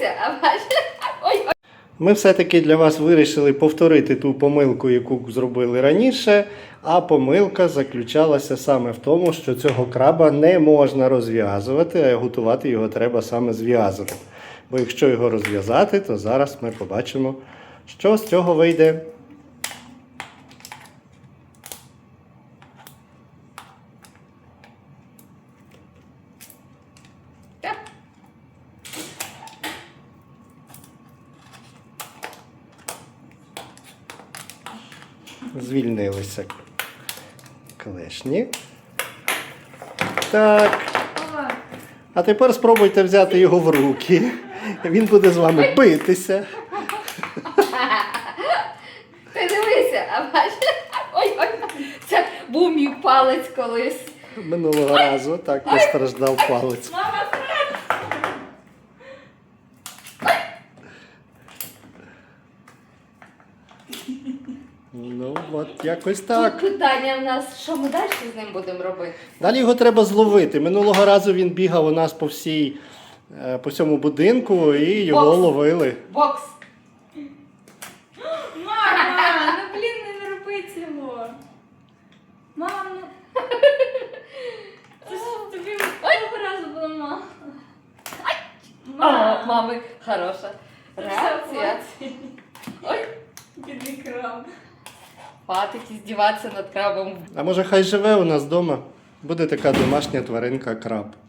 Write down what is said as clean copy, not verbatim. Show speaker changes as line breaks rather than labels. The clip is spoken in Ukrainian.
дивися, а бачиш? Ой.
Ми все-таки для вас вирішили повторити ту помилку, яку зробили раніше, а помилка заключалася саме в тому, що цього краба не можна розв'язувати, а готувати його треба саме зв'язаним. Бо якщо його розв'язати, то зараз ми побачимо, що з цього вийде. Звільнилися клешні. Так. А тепер спробуйте взяти його в руки. Він буде з вами битися.
Ти дивися, а бачиш? Ой, це був мій палець колись.
Минулого разу так постраждав палець.
Мама,
Ну, от якось так.
Тут питання в нас, що ми далі з ним будемо робити?
Далі його треба зловити. Минулого разу він бігав у нас по всьому будинку і його
Бокс.
ловили.
Бокс.
Мама, ну блін, не роби цього. Мама, ну. Це ж тобі того разу було мама.
О, мами, хороша реакція. Ой,
Бідний краб.
хватить здіватися над крабом.
А може хай живе у нас вдома? Буде така домашня тваринка краб.